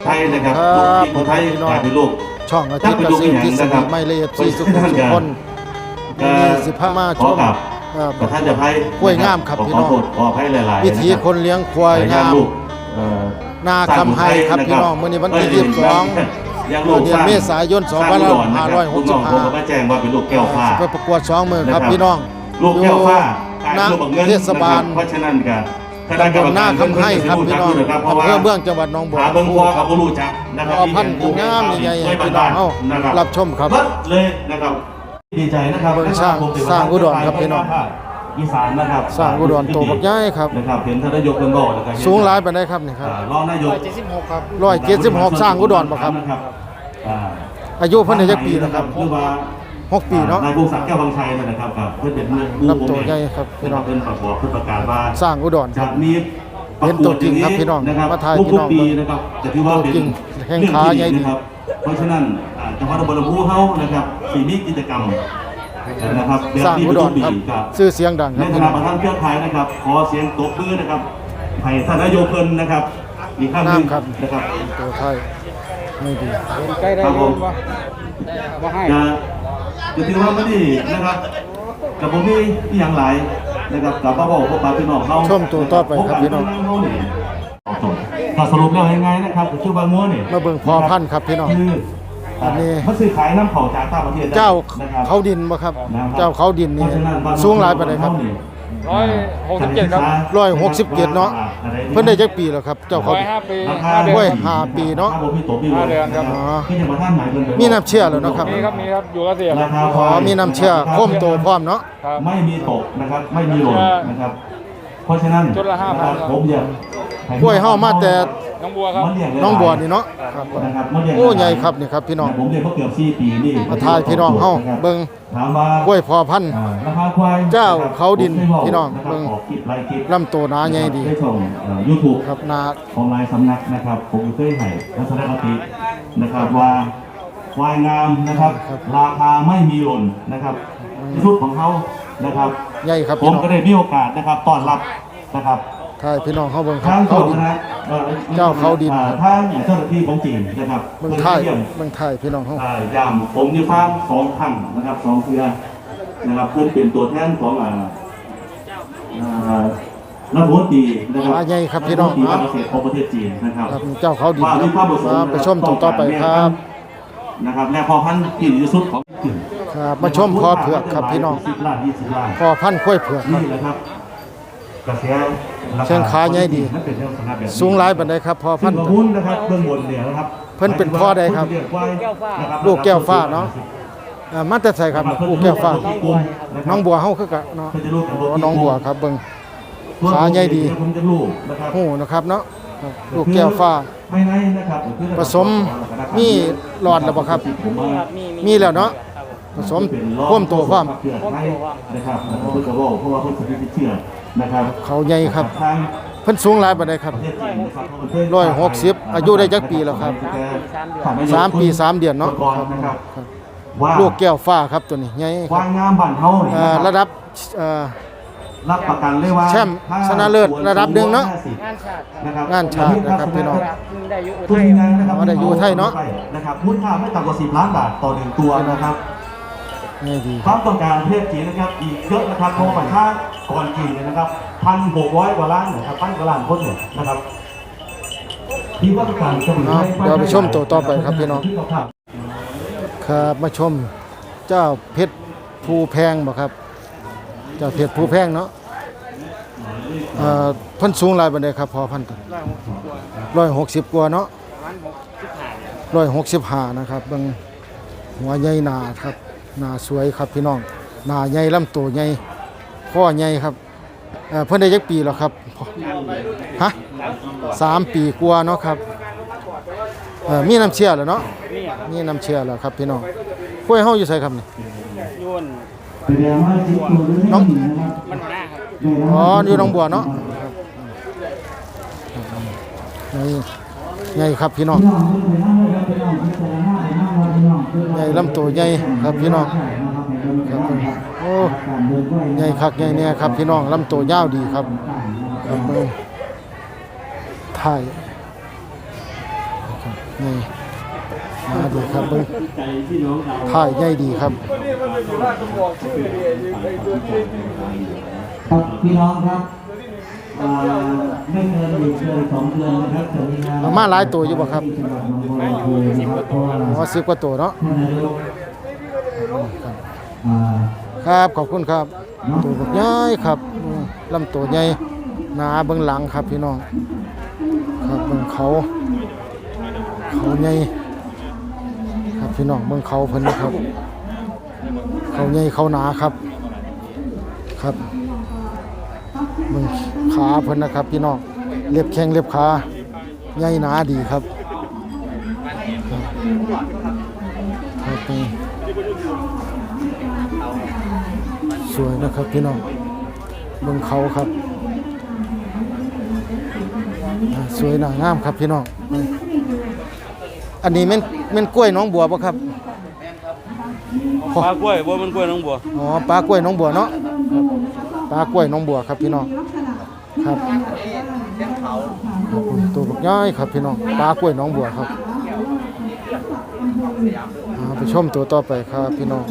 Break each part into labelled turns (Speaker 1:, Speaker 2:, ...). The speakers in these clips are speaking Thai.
Speaker 1: ทยนะครับคนไทยกลายเป็นโลก
Speaker 2: ช่องอาทิตย์เกษตรทฤษฎีไม่ละเอียดที่สุขคนมี15มาชม
Speaker 1: ประธานจะไพ่
Speaker 2: กล้วยงามครับพี่น้อง
Speaker 1: ขอไพ่หลายๆ
Speaker 2: วิธีคนเลี้ยงควายงามนาคำไฮครับพี่น้องมื้อนี้วันที่22เดือนเมษายน2565
Speaker 1: มาแจ้งว่าเป็นลูกแก้วฟ้า
Speaker 2: ไปประกวด2มื้อครับพี่น้อง
Speaker 1: ลูกแก้วฟ้า
Speaker 2: เทศบาล
Speaker 1: เพราะฉะนั้นก็
Speaker 2: ตำบลนาคำไฮครับพี่น้องอำเภอเมืองจังหวัดหนองบัว
Speaker 1: เบิ่งพ่อกับบ่รู้จักนะครับ
Speaker 2: พันธุ์งามใหญ่ๆพี่น้องเฮารับชมครับ
Speaker 1: เลยนะครับดีใจนะครับ
Speaker 2: สร้างอุดรครับพี่น้อง
Speaker 1: อีสานนะครับ
Speaker 2: สร้างอุดรโตบักใหญ่ครับ
Speaker 1: นะครับเห็นท่านนายกเพิ่นบอกนะครับ
Speaker 2: สูงหลายปานใดครับนี่ครับ
Speaker 1: รองนายก
Speaker 2: 176ครับ176สร้างอุดรบ่ครับอายุเพิ่นได้จักปีแล้วครับ6 ปีเนาะ
Speaker 1: นายพงศักดิ์แก้วบางชัยนะครับครับเพิ่นเป็น
Speaker 2: รับตัวใหญ่ครับพี่น้อง
Speaker 1: เพิ่นประกาศว่า
Speaker 2: สร้างอุดร
Speaker 1: ครับมี
Speaker 2: เป็นตัวจริงครับพี่น้องมาถ่ายพี่น้อง
Speaker 1: นะครับจะถือว่าเป็น
Speaker 2: แข้งขาใหญ่ดี
Speaker 1: เพราะฉะนั้นจังหวัดอุบลราชธานีเฮานะครับสิมีกิจกรรมนะครับ
Speaker 2: สร้างอุดรครับชื่อเสียงดังค
Speaker 1: รับในฐานะประธานเครือข่ายนะครับขอเสียงตบมือนะครับให้ท่านนายกเพิ่นนะครับอีกครั้งนึงนะครับ
Speaker 2: ตัวไทยไม่ดี
Speaker 3: ใกล้ได้ยินว่าให้
Speaker 1: จะถือว่าไม่ดีนะครับกับผมมีอย่างหลายนะครับกับป้าบอกพวกป้าพี่น้องเขา
Speaker 2: ชมตัวต่อไปครับพี่น้อง
Speaker 1: ถ้าสรุปแล้วยังไงนะครับชื่อว่างัวเนี่ย
Speaker 2: มาเบิ่งพอพันธุ์ครับพี่น้อง
Speaker 1: อันนี้มันซื้อขายน้ำเผาจากต่างประเทศ
Speaker 2: เจ้าเขาดินบ่ครับเจ้าเขาดินนี่สูงหลายปานใดครับ
Speaker 3: 167ครับ
Speaker 2: 167เนาะเพิ่นได้จักปีแล้วครับเจ้าเขา5 ปีเนาะ
Speaker 3: 5 เดือนครับ
Speaker 2: มีน้ำเชื่อแล้วเนาะครับ
Speaker 3: มีครับอยู่เกษตร
Speaker 2: มีน้ำเชื่อโค้มโตพร้อมเนาะ
Speaker 1: ไม่มีตกนะครับไม่มีหล่นนะครับเพราะฉะนั้น
Speaker 3: จุดละ5,000
Speaker 1: ผมอยาก
Speaker 2: กล้วยเฮามาแต่
Speaker 3: น้องบัวครับ
Speaker 2: น้องบัวนี่เนาะโอ้ใหญ่ครับนี่ครับพี่น้อง
Speaker 1: ผมเรียนเขาเกือบ4 ปีนี่
Speaker 2: มาทายพี่น้องเฮาเบิ่งกล้วยพอพันธุ์เจ้าเขาดินพี่น้องเบิ่งลำตัวหนาใหญ่ดี
Speaker 1: YouTube
Speaker 2: ครับนา
Speaker 1: ของหลายสำนักนะครับผมเคยให้ทัศนคตินะครับว่าควายงามนะครับราคาไม่มีหล่นนะครับชุดของเขานะครับ
Speaker 2: ใหญ่ครับ
Speaker 1: ผมก็ได้มีโอกาสนะครับต้อนรับนะครับ
Speaker 2: ทายพี่น้องเขาเบิ่งเขาดินเจ้าเขาดิน
Speaker 1: ทางเจ้าหน้าที่ของจีนนะครับ
Speaker 2: เบิ่งไทยพี่น้องเขา
Speaker 1: ย่ำผมอยู่ฟัง2 ครั้งนะครับ2 เทื่อนะครับเพื่อนเป็นตัวแทนของนักบุญดีนะครับ
Speaker 2: ใหญ่ครับพี่น้อง
Speaker 1: เกษตรของประเทศจีนนะครับ
Speaker 2: เจ้าเขาดินไปชมต่อไปครับ
Speaker 1: นะครับและพอพันธุ์ที่ดีที่สุดของจีน
Speaker 2: ครับมาชมพอเผือกครับพี่น้องพอพันธุ์กล้วยเผือก
Speaker 1: นี่แหละครับ
Speaker 2: เชิงขาใหญ่ดีสูงหลายปานใดครับพอพันธุ์
Speaker 1: นะครับเบื้องบนเนี่ยนะครับ
Speaker 2: เพิ่นเป็นพ่อใดครับลูกแก้วฟ้าเนาะมาแต่ไสครับลูกแก้วฟ้าน้องบัวเฮาคือกันเนาะน้องบัวครับเบิ่งขาใหญ่ดีโอ้นะครับเนาะลูกแก้วฟ้าผสมมีหลอดแล้วบ่ครับมีแล้วเนาะผสมพ่วมตัวความ
Speaker 1: นะครับเพิ่นก็บอกเพราะว่าเพิ่นสิเชื่อนะครับ
Speaker 2: เขาใหญ่ครับเพิ่นสูงหลายปานใดครับ160อายุได้จักปีแล้วครับ3 ปี 3 เดือนเนาะลูกแก้วฟ้าครับตัวนี้ใหญ่
Speaker 1: ควายงามบ้านเฮานี่
Speaker 2: ระดับ
Speaker 1: รับประกันเลยว่า
Speaker 2: แชมป์ชนะเลิศระดับ1เนาะงานชาตินะครับพี่น้อง
Speaker 3: ได้อยู่
Speaker 2: ไทยเนาะ
Speaker 1: นะครับมูลค่าไม่ต่ำกว่า10 ล้านบาทต่อ1ตัวนะครับความต้องการประเทศจีนนะครับอีกเยอะนะครับเพราะว่าถ้าก่อนจีนเนี่ยนะครับ1,600 กว่าล้านนะครับ1,000 กว่าล้านคนเนี่ยนะครับที่ว่าการจะมี
Speaker 2: เดี๋ยวไปชมตัวต่อไปครับพี่น้องครับมาชมเจ้าเพชรภูแพงบ่ครับเจ้าเพชรภูแพงเนาะเพิ่นสูงหลายปานใดครับพอพันธุ์160 กว่าเนาะ165นะครับเบิ่งหัวใหญ่หนาครับหนาสวยครับพี่น้องหนาใหญ่ลำตัวใหญ่ข้อใหญ่ครับเพิ่นได้จักปีแล้วครับฮะ3 ปีกว่าเนาะครับมีน้ำเชื่อแล้วเนาะมีน้ำเชื่อแล้วครับพี่น้องกล้วยเฮาอยู่ไสครับนี่น้องอ๋ออยู่หนองบัวเนาะใหญ่ครับพี่น้องใหญ่ลำตัวใหญ่ครับพี่น้องครับโอ้ใหญ่คักใหญ่เนี่ยครับพี่น้องลำตัวยาวดีครับครับถ่ายนี่มาดีครับเบิ่งถ่ายใหญ่ดีครับ
Speaker 4: ครับพี่น้องครับไม่เกิน1 เดือน 2 เดือนนะครับจะมีงาน
Speaker 2: เอามาหลายตัวอยู่บ่ครับ
Speaker 4: ที่จังหวัดหนองบัวลำพูนะครับเพราะว่า
Speaker 2: อ๋อ10กว่าตัวเนาะ
Speaker 4: ท่านนายกอ่า
Speaker 2: ครับขอบคุณครับตัวบักใหญ่ครับลำตัวใหญ่หนาเบิ่งหลังครับพี่น้องครับเบิ่งเขาใหญ่ครับพี่น้องเบิ่งเขาเพิ่นนะครับเขาใหญ่เขาหนาครับครับเบิ่งขาเพิ่นนะครับพี่น้องเล็บแข้งเล็บขาใหญ่หนาดีครับครับนี่สวยนะครับพี่น้องเบิ่งเขาครับสวยหนางามครับพี่น้องอันนี้แม่นกล้วยน้องบัวป่ะครับ
Speaker 3: ปลากล้วยบัวมันกล้วยน้องบัว
Speaker 2: อ๋อปลากล้วยน้องบัวเนาะปลากล้วยน้องบัวครับพี่น้องครับตัวบักย่อยครับพี่น้องปลากล้วยน้องบัวครับไปชมตัวต่อไปครับพี่น้อง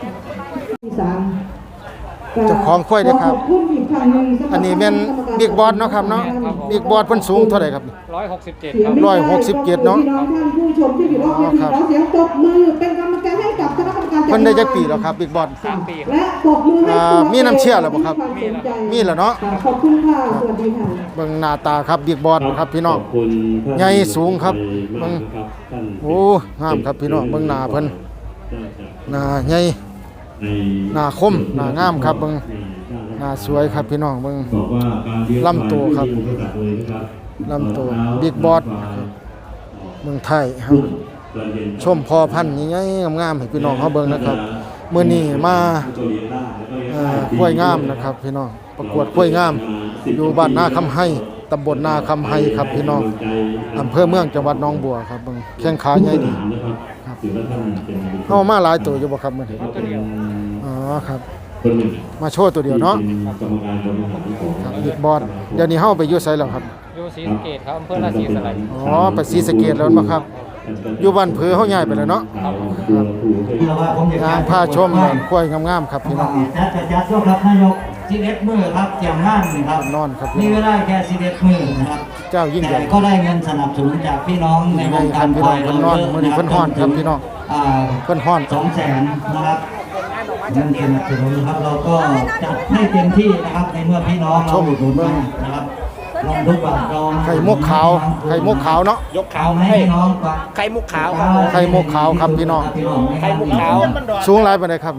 Speaker 2: เจ้าของควายเด้อครับอันนี้เป็นบิ๊กบอสเนาะครับเนาะบิ๊กบอสเพิ่นสูงเท่าไหร่ครับ
Speaker 3: 167ครับ
Speaker 2: 167เนาะ
Speaker 5: พี่น้องท่านผู้ชมที่อยู่รอบเวทีขอเสียงตบมือเป็นกำลังใจให้กับคณะกรรมการจัด
Speaker 2: เพิ่นได้จักปีแล้วครับบิ๊กบอส
Speaker 3: 3 ปีครับ
Speaker 5: และปรบมือให้ครู
Speaker 2: มีน้ำเชื่อแล้วบ่ครับ มีแล้วเนาะ
Speaker 5: ขอบคุณค่ะสวัสดีค่ะ
Speaker 2: เบิ่งหน้าตาครับบิ๊กบอสครับพี่น้องใหญ่สูงครับเบิ่งโอ้งามครับพี่น้องเบิ่งหน้าเพิ่นหน้าใหญ่หน้าคมหน้างามครับเบิ่งหน้าสวยครับพี่น้องเบิ่งลำตัวครับลำตัวบิ๊กบอสเมืองไทยครับชมพอพันธุ์ใหญ่ๆงามๆให้พี่น้องเฮาเบิ่งนะครับมื้อนี้มากล้วยงามนะครับพี่น้องประกวดกล้วยงามอยู่บ้านนาคำไห้ตำบลนาคำไห้ครับพี่น้องอำเภอเมืองจังหวัดหนองบัวครับเบิ่งแข้งขาใหญ่ดีครับเฮามาหลายตัวอยู่บ่ครับมื้อนี้อ๋อครับมาโชว์ตัวเดียวเนาะครับบิ๊กบอสเดี๋ยวนี้เฮาไปอยู่ไสแล้วครับ
Speaker 3: อยู่ศรีสะเกษครับอำเภอราศีสไลย
Speaker 2: อ๋อไปศรีสะเกษแล้วบ่ครับอยู่บ้านเผือเฮาย้ายไปแล้วเนาะงานผ้าชมกล้วยงามๆครับพี่น้อง
Speaker 4: จัดยกครับนายก11 มื้อครับเจียมงานครับ
Speaker 2: นอนครับ
Speaker 4: มีเวลาแค่11 มื้อนะครับ
Speaker 2: เจ้ายิ่งใหญ่
Speaker 4: แต่ก็ได้เงินสนับสนุนจากพี่น้องในวงการควาย
Speaker 2: เพิ่นนอนมื้อนี้เพิ่นฮ้อนครับพี่น้อง เพิ่นฮ้อน
Speaker 4: 200,000นะครับเงินสนับสนุนครับเราก็จัดให้เต็มที่นะครับในเมื่อพี่น้องเราอุดหนุนมานะครับลองทุกบาทเรา
Speaker 2: ไข่มุกขาวไข่มุกขาวเนาะ
Speaker 3: ยกขาว
Speaker 4: ให้
Speaker 3: ให้
Speaker 4: พี่น้องฟัง
Speaker 3: ไข่มุกขาวครับผม
Speaker 2: ไข่มุกขาวครับพี่น้อง
Speaker 3: ไข่มุกขาว
Speaker 2: สูงหลายปานใดครับ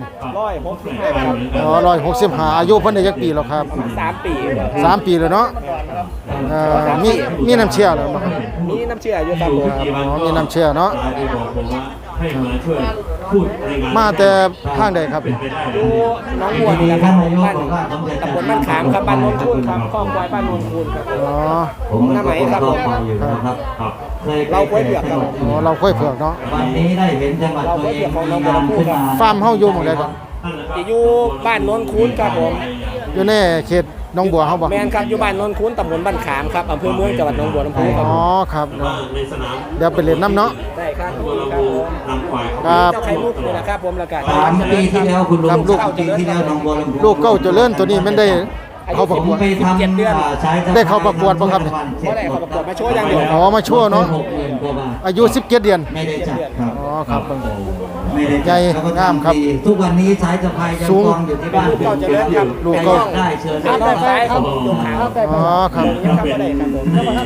Speaker 3: 165ครับ
Speaker 2: อ๋อ165อายุเพิ่นได้จักปีแล้วครับ
Speaker 3: 3 ปี
Speaker 2: 3 ปีแล้วเนาะมีน้ำเชื่อแล้วบ่ครับ
Speaker 3: มีน้ำเชื่ออยู่ครับผม
Speaker 2: อ๋อมีน้ำเชื่อเนาะ
Speaker 1: ที่บอกผมว่าให้มาช่วยพูดในงาน
Speaker 2: มาแต่ทางใดครับ
Speaker 3: อยู่หน้องบัวนี่แหละครับบ้านตำบลบ้านขามครับบ้านโนนคูนครับคลองควายบ้านโนนคูนครับ
Speaker 2: อ๋อ
Speaker 4: ผมก็ฟังอยู่นะครับคย
Speaker 3: เราค่อยเผือกครับ
Speaker 2: อ๋อเราค่อยเผือกเนาะ
Speaker 4: วันนี้ได้เห็นจังหวัดตัวเองมีงานขึ้นมา
Speaker 2: ฟาร์มเฮาอยู่หม่องใดครับ
Speaker 3: ที่อยู่บ้านโนนคูนครับผม
Speaker 2: อยู่ในเขตหนองบัวเฮาบ่
Speaker 3: แมนครับอยู่บ้านโนนคูนตำบลบ้านขามครับอำเภอเมืองจังหวัดหนองบัวลำพูครับ
Speaker 2: อ๋อครับ
Speaker 1: ในสนาม
Speaker 2: เดี๋ยวไปเล่นน้ำเนาะ
Speaker 3: ได้ครับครับผม
Speaker 1: นำควาย
Speaker 2: ครับ
Speaker 3: เจ้าไข่มุกนี่แหละครับผมแล้วก็
Speaker 4: 3 ปีที่แล้วคุณลุง
Speaker 2: ครับลูก
Speaker 4: 3 ปีที่แล้วหนองบัวลำพู
Speaker 2: ลูกเก้าเจริญตัวนี้มันได้เข้าประกวด
Speaker 4: ผมไปทำสายสะพาน
Speaker 2: ได้เข้าประกวดบ่ครับ
Speaker 3: เพราะได้เขาประกวดมาโชว์อย่างเดียว
Speaker 2: อ๋อมาชั่วเนาะ
Speaker 4: 60,000 กว่าบาท
Speaker 2: อายุ17เดือน
Speaker 4: ไม่ได้จัดครับ
Speaker 2: อ๋อครับ
Speaker 4: ไม่ได้
Speaker 2: ใหญ่
Speaker 4: จัดแล้วก็
Speaker 2: งามครับ
Speaker 4: ทำดีทุกวันนี้สายสะพายยัง
Speaker 2: สูง
Speaker 4: กองอยู่ที่บ้าน
Speaker 3: ลูกเก้าเจริญครับ
Speaker 2: ลูก
Speaker 4: ใคร
Speaker 2: เก้า
Speaker 4: อยากได้เชิญ
Speaker 3: ครับ
Speaker 4: ได้
Speaker 3: ด้านซ้ายครับยกขาว
Speaker 2: อ๋อครับ
Speaker 3: ยังครับก็ได้ครับผม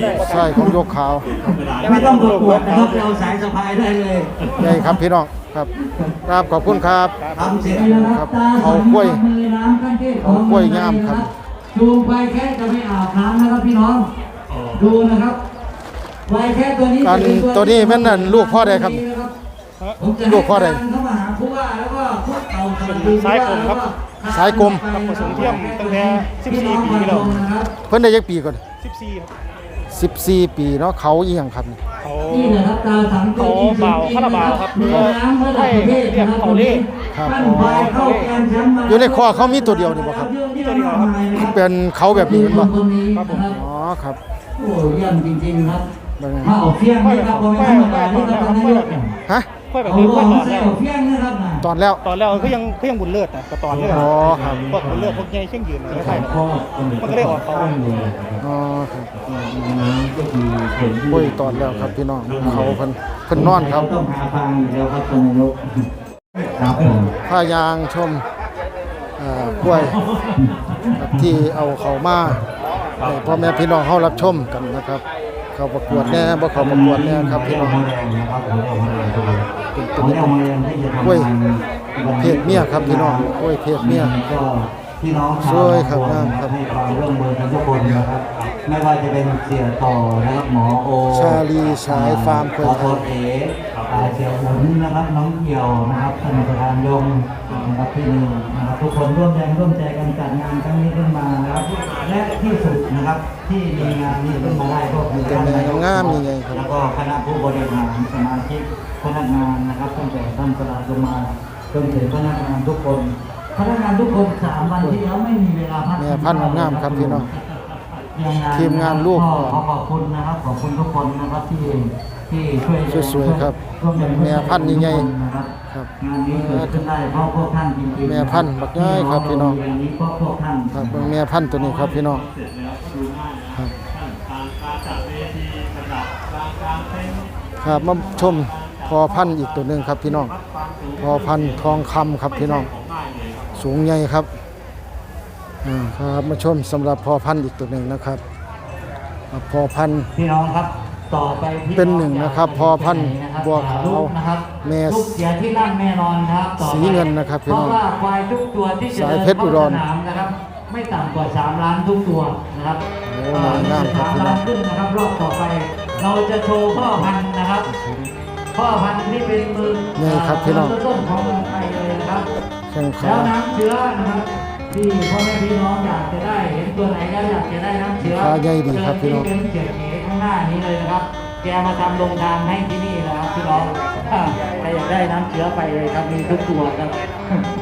Speaker 2: ใช่ของยกขาว
Speaker 4: ไม่ต้องประกวดนะครับเราสายสะพายได้เลย
Speaker 2: ใหญ่ครับพี่น้องครับครับขอบคุณครับ
Speaker 4: ทำเสร็จแล้วนะครับ
Speaker 2: เอากล้วย
Speaker 4: มือน้ำขั้นเทพของ
Speaker 2: เอากล้วยงามครับ
Speaker 4: จูงไปแค่จะไม่อาบน้ำนะครับพี่น้องดูนะครับไวแค่ตัวนี้
Speaker 2: การ
Speaker 4: จะเป็น
Speaker 2: ตัวนี้แม่นนั่นลูกพ่อใดครับ
Speaker 4: ผมจะ
Speaker 2: ลูกพ่อใด
Speaker 4: เข้ามาหาผู้ว่าแล้วก็พวกเราสวัสดี
Speaker 3: สายกลมครับ
Speaker 2: สายกลม
Speaker 3: กับผสมเทียมตั้งแต่14 ปีแล้ว
Speaker 4: นะครับ
Speaker 2: เพิ่นได้จักปีก่อน
Speaker 3: 14ครับ
Speaker 2: 14 ปีเนาะเขาอีหยังครับ
Speaker 3: เขา
Speaker 4: นี่นะครับตาสังตัว
Speaker 3: เขาเบาคาราบาวครับ
Speaker 4: เหนือน้ำระดับประเทศนะครับ
Speaker 3: เขาเรียก
Speaker 2: ครับ
Speaker 4: ปั้นควายเข้าแกนแชมป์มา
Speaker 2: อยู่ในคอเขามีตัวเดียวนี่บ่ครับ
Speaker 4: มีตัวเดียวครับ
Speaker 2: เป็นเขาแบบนี้แม่นบ่
Speaker 4: คนนี้ครับ
Speaker 2: อ๋อครับ
Speaker 4: โอ้เยี่ยมจริงๆครับ
Speaker 2: เบิ่ง
Speaker 4: ถ้าเอาเฟี้ยงนี่ครับผมไม่ธรรมดานี่
Speaker 3: ค่อยแบบ
Speaker 4: เอา
Speaker 3: นี้
Speaker 4: ล
Speaker 3: ค่อย
Speaker 4: ง
Speaker 3: ตอ
Speaker 4: มาน ใส่
Speaker 3: แล้ว
Speaker 4: เอาเพียงนะครับนะ
Speaker 2: ตอนแล้ว
Speaker 3: ตอนแล้วก็ยังบุญเลิศนะก็ตอนเลิศ
Speaker 2: อ๋อครับ
Speaker 3: พวกบุญเลิศพวกใหญ่เช่งยืนไม่ใช่หรอก
Speaker 1: ก็
Speaker 3: มันก็ได้ออกเขา
Speaker 2: อ๋อครับ
Speaker 1: น้ำก็คือเห็น
Speaker 2: โอ้ยตอนแล้วครับพี่น้องเขาเพิ่นนอนครับ
Speaker 4: ต้องหาทางอยู่แล้วครับท่านนายกครับผม
Speaker 2: พายางชมกล้วยครับที่เอาเขามาให้พ่อแม่พี่น้องเฮารับชมกันนะครับ เขาประกวดแน่บ่เขาประกวดแน่ครับพี่น้อง
Speaker 4: หัวแดงนะครับหัวแดงตัวนี้
Speaker 2: เป็น
Speaker 4: หัวแดงที่จะทำ
Speaker 2: กล้วย
Speaker 4: งาน
Speaker 2: เพศเมียครับพี่น้องกล้วยเพศเมีย
Speaker 4: ก็พี่น้อง
Speaker 2: สวยครับ
Speaker 4: ชาว
Speaker 2: ครับ
Speaker 4: ให้ความร่วมมือกันทุกคนนะครับ ไม่ว่าจะเป็นเสียต่อนะครับหมอโอ
Speaker 2: ชาลีฉายฟาร์ม
Speaker 4: ขอโทษเอ๋เสียหุนนะครับน้องเกี่ยวนะครับท่านประธานยงนะครับพี่หนึ่งนะครับทุกคนร่วมแรงร่วมใจกันจัดงานครั้งนี้ขึ้นมานะครับและที่สุดนะครับที่มีงานนี้ขึ้นมาได้ก็คือท่านนายก
Speaker 2: งามยังไงครับ
Speaker 4: แล้วก็คณะผู้บริหารสมาชิกพนักงานนะครับตั้งแต่ท่านประธานลงมาจนถึงพนักงานทุกคนพนักงานทุกคน3 วันที่แล้วไม่มีเวลาพัก
Speaker 2: แม่พันธุ์งามครับพี่น้อง
Speaker 4: ยัง
Speaker 2: ทีมงานลูก
Speaker 4: ขอบคุณนะครับขอบคุณทุกคนนะครับที่ช่วย
Speaker 2: สวยๆครับ
Speaker 4: ร่วมแรง
Speaker 2: แม่พันธุ์ใหญ่ๆ
Speaker 4: นะครับ
Speaker 2: ครับ
Speaker 4: งานนี้เกิดขึ้นได้เพราะพวกท่านจริงๆ
Speaker 2: แม่พันธุ์บักน้อยครับพี่น้อง
Speaker 4: งานนี้เพราะพวกท่าน
Speaker 2: ครับเบิ่งแม่พันธุ์ตัวนี้ครับพี่น้องครับครับมาชมพอพันธุ์อีกตัวหนึงครับพี่น้องพอพันธุ์ทองคำครับพี่น้องสูงใหญ่ครับครับมาชมสำหรับพอพันธุ์อีกตัวหนึ่งนะครับพอพันธุ์
Speaker 4: พี่น้องครับต่อไปพี่
Speaker 2: เป็นหนึ่งนะครับพอพันธุ์บัวขาว
Speaker 4: ลูกนะครับ
Speaker 2: แม่
Speaker 4: ลูกเสียที่นั่นแน่นอนครับต่อไป
Speaker 2: สีเงินนะครับพี่
Speaker 4: เพ
Speaker 2: น้อ
Speaker 4: ราะ
Speaker 2: ง
Speaker 4: ว่าควายทุกตัวที่จะ
Speaker 2: สาย
Speaker 4: เดิน
Speaker 2: เพชรอุ
Speaker 4: เข้า
Speaker 2: ดร
Speaker 4: สนามนะครับ ไม่ต่ำกว่า3 ล้านทุกตัวนะครับ
Speaker 2: โอ้งามครับพี่น้อง
Speaker 4: 3 ล้านขึ้นนะครับรอบต่อไป เราจะโชว์พ่อพันธุ์นะครับพ่อพันธุ์ที่เป็นมือ
Speaker 2: นี่ครับพี่น้อง
Speaker 4: ต้นๆของเมืองไทยเลยนะครับ
Speaker 2: แข้งขา
Speaker 4: แล้วน้ำเชื้อนะครับที่พ่อแม่พี่น้องอยากจะได้เห็นตัวไหนแล้วอยากจะได้น้ำเชื้อ
Speaker 2: ขาใหญ่ดีครับพี่น้อง
Speaker 4: เชิญที่เป็นเกียรติข้างหน้านี้เลยนะครับ แกมาทำโรงทานให้ที่นี่นะครับพี่น้องใครอยากได้น้ำเชื้อไปเลยครับมีทุกตัวครับ